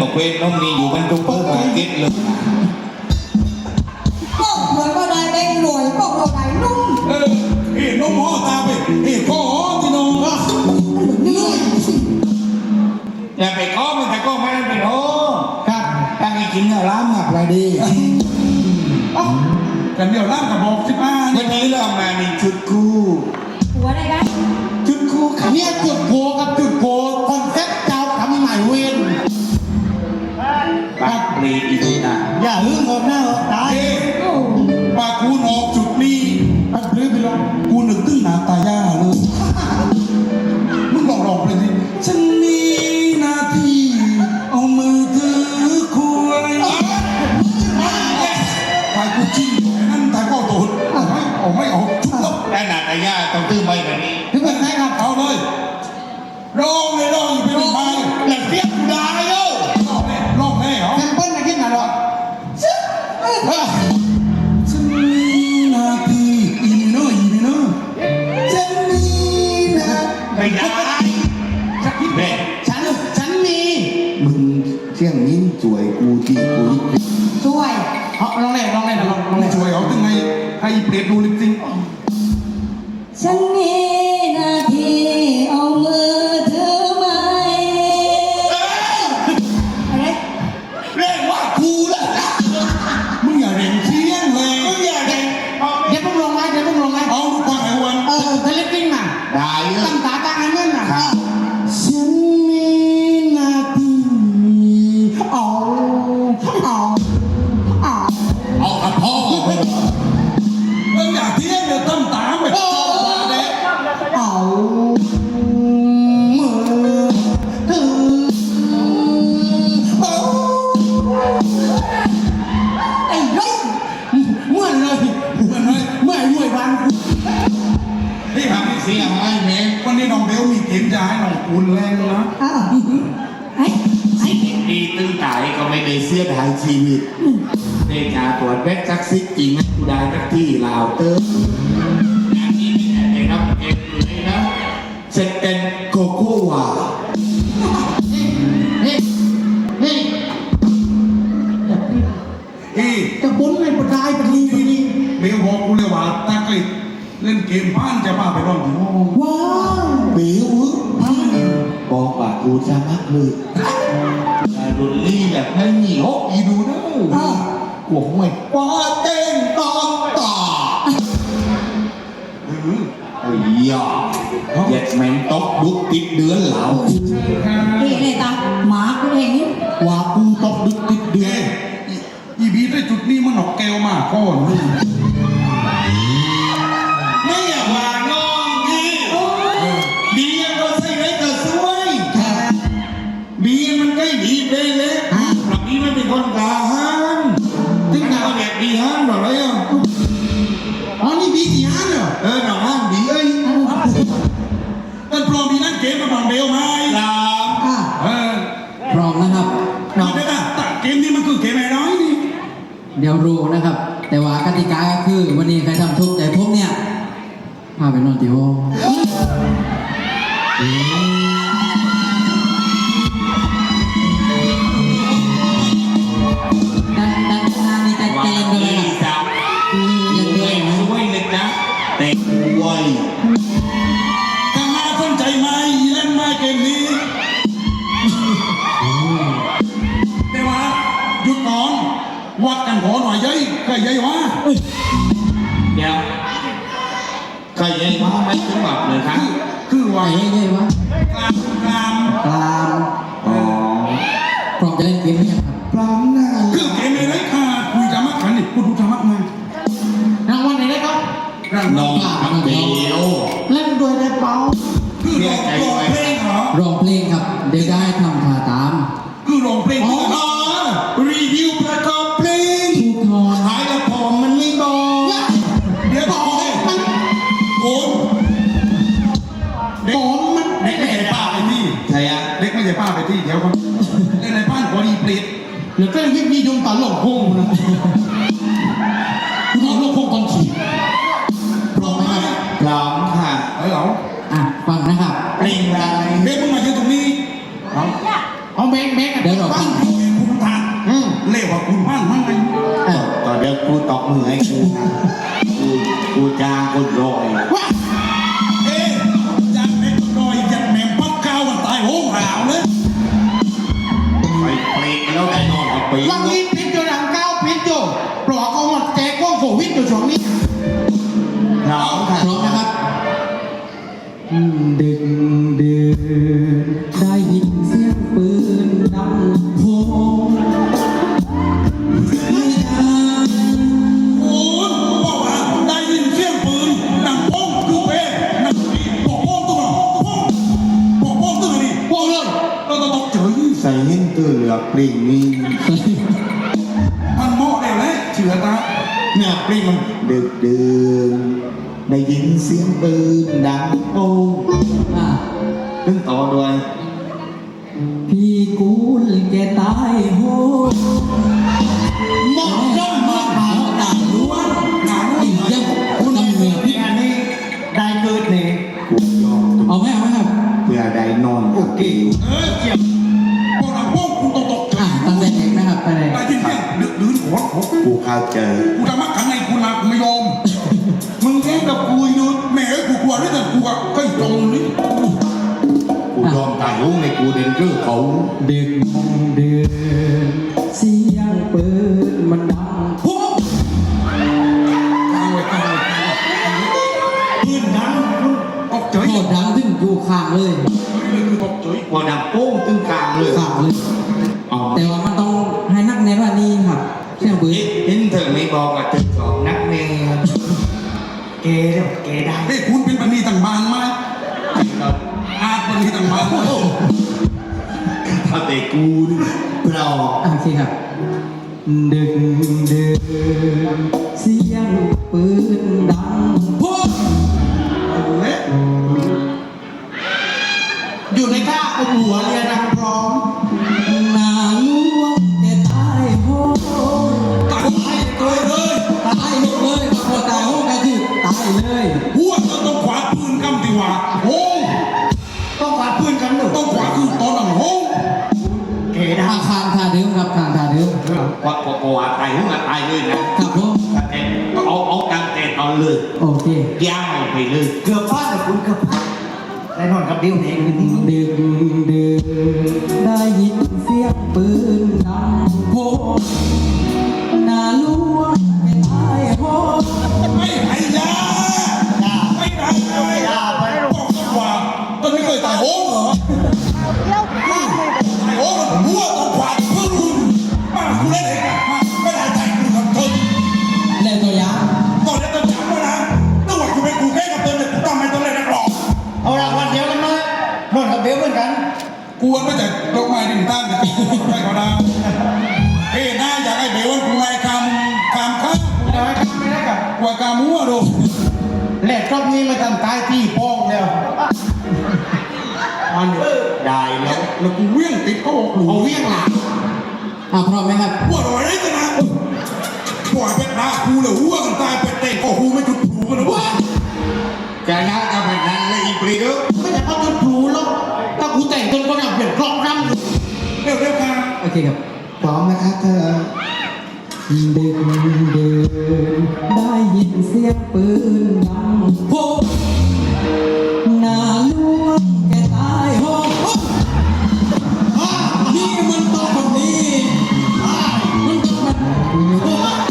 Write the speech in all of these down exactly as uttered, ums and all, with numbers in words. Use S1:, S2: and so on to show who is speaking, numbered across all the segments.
S1: เวนน้องมีอยู่มันทุกเพื่อการเก็ตเลย
S2: ก็เหมือนว่าได้เป็นหน่วยก็เราได้นุ่ม
S3: เออเอ็น้องหมอตาไปเอ็ข้อที่น้องอ่ะ
S2: นี่
S1: อย่าไปก้อมันแต่ก้อไม่ได้ไปโอ้
S3: ครับ
S1: ตั้งให้กินเนื้อล้ำหนักเลยดี
S3: กันเดี๋ยวล่างกับบอกสิบห้า
S1: วันนี้เรามาในชุดคู่
S2: หัวได้ไหม
S1: ชุดคู่ขับ
S4: เนี่ยจุดโพกับจุดโพคอนเซ็ปต์เจ้าทำใหม่เวน
S1: ปักปรีอีกนะ
S4: อย่าหึงออกหน้าออกตา
S3: เอ๊ปากูนออกจุดนี้ปัดปลื้ไปลงกูนึกตึ้งหนาตาย่าเลยมึงลองลองไปสิฉันมีหน้าที่เอามือถือคุยไปกูจิ้มนั่นตายก็โดนเอาไม่เอาไม่เอาชุบแล้ว
S1: แต่หนาตายาต้องตื้อไม่แบบนี้
S4: ถึงเป็นไงครับ
S3: เอาเลยร้องเลยร้องอยู่เป็นไม้
S4: หลังเสียงได้เลย
S3: ร้องแน่ร้องแน่เหรอ
S4: แซมเปิ้ลนะคิดหน่อยหรอ
S3: ฉันมีหน้าที่อีเนอร์อีเนอร์ฉันมีหน้า
S1: ไม่ได้สักทีแม่
S4: ฉันฉันมี
S1: มึงเที่ยงนิ้นสวยกูที่กูลิขิต
S2: ช่วย
S4: เอาลองเล่นลองเล่นลองลอง
S3: ไม่
S4: เล่น
S3: ช่วยเอาถึงไงให้เปรียบดูลิปซิงค์
S2: ฉันมีหน้าที่เอามือถือไม้อะไร
S1: เรียกว่ากูแหละ
S3: มึงอย่าเร่งเที่ยงเลย
S1: มึงอย่าเด็ก
S4: เดี๋ยวพวกลงไงเดี๋ยวพวกลงไง
S3: เอาลูกควายไอ้วัน
S4: เออทะเลปิ้งน่ะ
S1: ได้เล
S4: ตั้
S1: ย
S4: งตาตั้งอันนั้นน่ะ
S3: ฉันมีหน้าที่
S4: เอาเอาเอา
S1: เอากับพ่อ
S3: มึงอย่าเที่ยงเดี๋ยวตั้มตามไปเจ้าว่าเด็ก
S4: เอามือถือเอา
S2: ไอ้ร้อย
S4: เหมื่อนเลย
S3: เหมือนไหม
S4: เมื่อยรวยวัน
S3: นี่ครับ
S1: เสียงไอ้แม่
S3: วันนี้น้องเบลมีเกมจะให้น้องปูนแรงนะ
S2: อ้าวไอ้ไอ้
S1: ดีตึงตายก็ไม่ได้เสียดายชีวิตเดชาตรวจเวทซักซิกจริงนะกูได้นักที่ลาวเตอร์งานนี้ไม่ได้รับเองเลยนะเซ็นเป็นโกโก้วา
S4: เฮ้ยเฮ้ย
S3: อี
S4: จะบุญเป็นประกายปนีปนี
S3: เบลบอกกูเลยว่าตากลิดเล่นเกมบ้านจะพาไปร้องถึงห้อง
S4: ว้าว
S1: บิวบอกว่ากูจะมักเลยแต่รุนลี่แบบไม่มีฮกอีดูนะกลัวห่วยว่าเต้นตอนต่อไอ้ยาเย็ดแมงตกดุกติดเดือนเหล่า
S2: นี่เลยตาหมากูเองนี่
S1: ว่ากูตกดุกติดเดื
S3: เอ้
S1: อน
S3: อีบีได้จุดนี้มันหนอกแก้วมากก้อนนี่
S1: ไม่อยากว่าน้องพี่ดีก็ใส่ไรก็สวยบีมันได้ดีไปเลยหลับบีมันเป็นคนกาฮันถึงเอาแบบดีฮันหรอไรอ่ะ
S4: อ๋อนี่บีกี่ฮันเหรอ
S1: เออหนังฮันดีเอ้ย
S3: มันปลอมมีนั่นเกมมาบังเบลไหม
S1: ลา
S4: อ่า
S3: เออ
S4: พร้อมนะครับ
S3: นี่ได้ป่ะแต่เกมนี้มันคือเกมไอ้น้อยนี่
S4: เดี๋ยวรู้นะครับ แต่ว่ากติกาก็คือวันนี้ใครทำทุกข์ใจผมเนี่ยพาไปนอนที่ห้องด้านด้านหน้านี่จะ
S1: ว่า
S4: เจนไปเลย
S1: ดี
S4: นะ
S1: จัง
S4: ยังด้ว
S1: เด็
S4: ย
S1: ก
S4: นะ
S1: สวยเลยนะเด็กรวย
S3: ถ้ามาสนใจไหมเล่นไหมเกมนี้แต่ว่าหยุดก่อนวัดกันขอหน่อยเย้ยเคยเย้ยวะ
S1: เดี๋ยวใครยังว่าไม่ถึงแบบเลยครับ
S3: คือ
S4: ไหน
S3: ว่า
S4: เย้ยวะ
S3: กลางกลาง
S4: กลาง
S1: อ๋อ
S4: พร้อมจะเล่นเกมไหมครับ
S1: พร้อมหน้า
S3: คือเกมไอ้ไรค่ะคุยธรรมะขันนี่กูดูธรรมะมาร
S4: างวัลไหนได้ครับ
S3: ร่าง
S1: น้องทำเดียว
S4: เล่นด้วยได้เปล่า
S3: คือร้องร้องเพลงเหรอ
S4: ร้องเพลงครับ เดี๋ยวได้ทำท่าตาม
S3: คือร้องเพลง
S1: อ๋
S3: คือ
S1: อรีวิวประกอบเพลง
S4: ทุกคน
S1: ขายละพอมันไม่บอก
S3: เดี๋ยวบอกเลยโกนเด็กมันเด็กไม่ใช่ป้าไปที่
S1: ใช่อะ
S3: เด็กไม่ใช่ป้าไปที่เดี๋ยวก่อนเด็กในบ้านขอดีเปรต
S4: เดี๋ยวก็ยิ่งมียงตาหลงพุ่งนะคุณเอาลูกพุ่งตอนขี่พร้อมไหมครับ
S1: พร้อมค่ะ
S3: เออเหรอ
S4: อ่ะฟังนะครับ
S1: เพลงอะไร
S3: เด็กมึงมาอยู่ตรงนี้เอา
S4: เอาแบงค์แบงค์เดี๋ยวเราฟัง
S3: เคุณบ้านมั่งไง
S4: เออ
S1: ต่อเดี๋ยวกูตอกมือให้กูนะกูกูจ้างคนรอย
S3: ว้าเอ๊ะจัดเล็กน้อยจัดแหม่มปักข้าวมันตายโหงหาวเลย
S1: ไปเปรกแล้วได้นอนกับปี
S5: ลังนี้พิษอยู่หลังก้าวพิษอยู่ปลอกเอาหมดแจกกล้องโควิดอยู่ช่วงนี้
S1: เรา
S4: พร้อมนะครับดึกดื่นได้ยินเสียงปืนดังโพง
S3: โอ้ยบอกว่าได้ยินเสียงปืนดังโป้งคือเป้ดังปีบอกโป้งตัวหนอบอกโป้งตัวนี่
S5: พวกเลย
S3: เราต้องตกเฉย
S1: ใส่หินตัวเหลือกปริงนี่
S3: มันเหมาะแล้วแหละเชื่อตา
S1: เนี่ยปริงมันดึกดื่นได้ยินเสียงปืนดังโป้ง
S4: อ่ะ
S1: ตึ้งต่อด้วย
S4: พี่กูลแกตายโหง
S5: หมอกย่อมหมอกหา
S4: ต่างล้วนต่างอีกยังคุณทำเหนือพี่
S5: อันนี้ได้เกิดเนี่ย
S1: กูยอม
S4: เอาไหมเอาไหมครับ
S1: เพื่อได้นอนโอเค
S3: เออเกี่ยวบอกดังโป้งคุณต้องตกเฉ
S4: อ่ะ
S3: ย
S4: ตั้งแต่เด็กนะครับไปเลย
S3: ได้ยินเสียงดึกดื่นหัวโขก
S1: กูเข้าใจ
S3: กูจะมักขังในกูนะกูไม่ยอม
S1: มึงแย่งกับกูอยู่
S3: แม่เอ้ยกูกลัวด้วยแต่กูอะก็ตรงนี้
S1: กูยอมตายหุ้งในกูเดินเรื่องเขา
S4: ดึกดื่นเสียงปืนมันดังโพง
S3: เอาไว้เอาไว้ปืนดังคุณตกเฉย
S4: โคตรดังถึงอยู่ข้างเลย
S3: เลยคือตกเฉย
S1: พอดังโป้งตึ้งกลางเลย
S4: ข้างเลย
S1: อ๋อ
S4: แต่ว่ามันต้องให้นักแน่นว่านี่ครับเสียงปืน
S1: เห็นเธอไม่บอกกับตึกสองนักเมย์
S5: เกเดี๋ยวเกได้
S3: เฮ้ยคุณเป็นปณีต่างบานไหมอาปณีต่างบานไหม
S1: ถ้าแต่กูนี่เรา
S4: อ่ะโอเคครับ ดึกดื่นเสียงปืนดังโพง
S3: เละ
S5: อยู่ในท่าเอาหัวเรียนรังพร้อม
S4: หนาล่วงแกตายโหง
S3: ตายให้ตัวเลย
S4: ตายหมดเลยครับพอตายโหงก็คือตายเลย
S3: หัวต้องขวาปืนกำดีว่าโอ้
S5: ต้องฝาดพื้นกันหนึ่ง
S3: ต้องขวาคือตอนนั้นโอ้
S5: เกได้
S4: อาคารทาเดิมครับคารทาเดิม
S1: ว่าพอพอตายหุ้งอะตายเลยนะครับ
S4: ผม
S1: แต่เอาเอาตังแต่ตอนเลย
S4: โอเค
S1: ย่างไปเลย
S5: เกือบพลาดแต่คุณเกือบพลาดได้นอนกับดิวเนี่ยคืนนี้
S4: ดึกดื่นได้ยินเสียงปืนดังโพงหนาล่วงแกตายโหง
S3: ไม่ให้ยาไม่ได้ไม่ได้บอกกันว่าตอนนี้เคยตายโอ้เหรอตายโอ้หัวต้องขวาปืนมาคุณเล่นเองอะมาไม่ได้ใจคุณกับเธอ
S4: เล่นตัวอย่าง
S3: ตอนนี้ต้องจำไว้นะต้องว่าคุณเป็นกูแค่กับเธอเนี่ยกูต้องไม่ต้องเล่นนักหรอก
S5: เอาละวันเดียวกันไหมนอนกับเดียวเหมือนกัน
S3: กวนมาจากดอกไม้ดินตั้งแต่ตีไม่ก็ได้เฮ้ยน่าอยากให้เบลวันกูไงคำคำข้า
S5: เดี๋ยวให้ข้ามไม่ได้กับ
S3: กว่ากามัวดู
S5: แหลกรอบนี้มาทำตายที่โป้งแล้ว
S3: มันได้แล้วแล้วกูเวี่ยงติดเขาบอกหลู
S5: เอาเวียงหลัง
S4: อ่ะพร้อมไหมครับ
S3: หัวเราอะไรกันนะปล่อยเป็นนาคูเลยหัวกันตายเป็นเตะก็หูไม่จุดผูกันนะวะ
S1: จะนักกับแบบนั้นเลยอีปรีเด้อ
S5: ไม่แต่เขาจะผูหรอกถ้ากูแต่งจนคนเอาเปลี่ยนกรอบน้ำอยู่
S3: เร็วเร็วค่ะ
S4: โอเคครับ
S1: พร้อมนะครับเธอ
S4: ดึกดื่นได้ยินเสียงปืนดังโพงหนาล่วงแกตายโหงอ้านี่มันต้องคนนี้อ้ามันต้องมันโอ้ย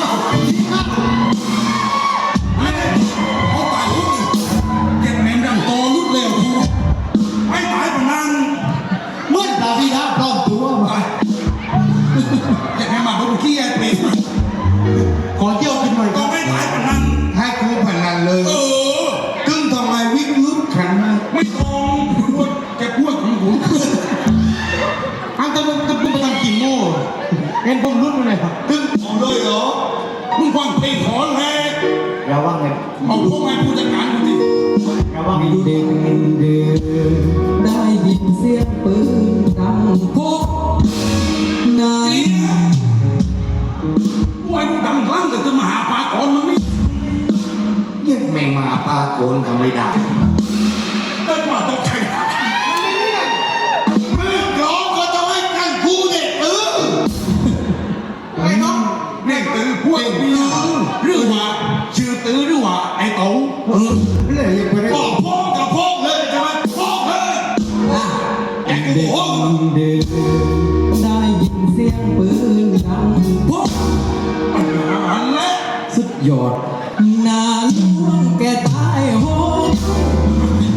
S3: เขาตายหูเก็บแหนมดังโตลุดเร็วทูไม่ตายปะนั่ง
S5: เมื่อดาวีดาปลอมตัวมา
S3: ตายเก็บแหนมมาดูขี้ไอ้เปรต
S5: ขอเที่ยวกินหน่อย
S3: ก็
S5: ก็
S3: ไม่ตายปะนั่ง
S1: ให้กูพนันเลย
S3: เออ
S1: ตึ้งทำไมวิกลึกขันมาก
S3: ไม่ตรงแกพูดของผม
S5: อันตะลุงตะลุงไปทำกี่โม่เห็นผมรุ่นมาเลยครับ
S1: ตึ้งเอาเลยเหรอ
S3: มึงฟังเพลงขอแรก
S5: อย่าว่าไง
S3: เอาพวกไอ้ผู้จัดการกูดิ
S5: อย่าว่าไง
S4: ดึกดื่นได้ยินเสียงปืนดังโพงหนา
S3: ไอ้พวกไอ้ผู้ดำคลั่งแต่จะมาหาปลาก่อนมันไม่
S1: เรียกแมงมาปลาโกนทำไม่ได้
S3: ได้มาตกใจ
S5: มึงร้องก็จะให้กันกูเนี่ยเออ
S3: เ
S4: ยอดนาล่วงแกตายโหง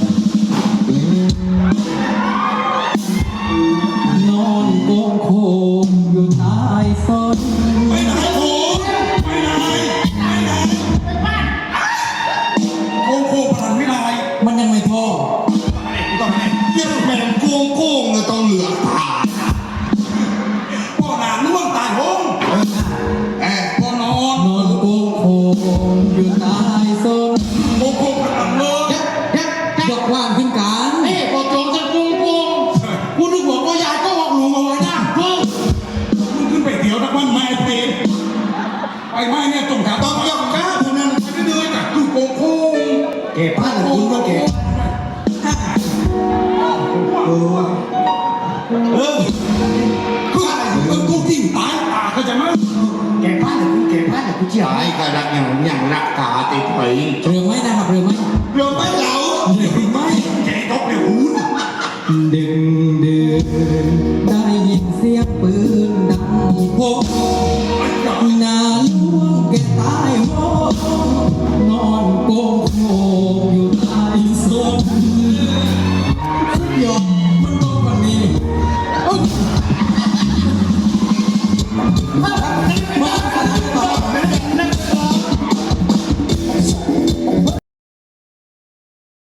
S4: นอนโกงโคงอยู่ใต้ส้น
S3: ไปไหนโอ้ไปไหนไปไหนโค้งโค้งพนันไม่ได้
S4: มันยังไม่พอ
S3: ต้องไหน
S1: เยี่ยมแม่งโกงโกงอะต้องเหลือตา
S3: พ่อหนาล่วงตายโหง
S1: เอ้ย
S3: พ่อนอน
S4: นอนโกงโคงอยู่ใต้ส้น
S3: โค้งโค้งพนันเลย
S5: ยักยัก
S4: ยกว่างขึ้นกัน
S5: เอ้พอโจงจะกุ้งกุ้งกูนึกบอกว่ายายก็บอกหลุงเอาไว้นะเพิ่ง
S3: มึงขึ้นไปเดี๋ยวนักวันแม่เพลไปไม้เนี่ยตรงขา
S1: ต้
S3: ต้
S1: อ
S3: อง ง
S1: ยกก้าพนัน
S3: ไปเรื่อยๆกับคือโค้งโค้ง
S5: เก็บผ้าหรือคุณก็เก็บ
S1: เออ
S3: คือเออกูทิ้งตายตาเข้าใจไหม
S5: เก็บผ้าหรือคุณเก็บผ้าหรือคุณเจียว
S1: ตายก็รักอย่างอย่างรักตาติดไป
S4: เรือไหมนะครับเรือไหม
S1: เราไม่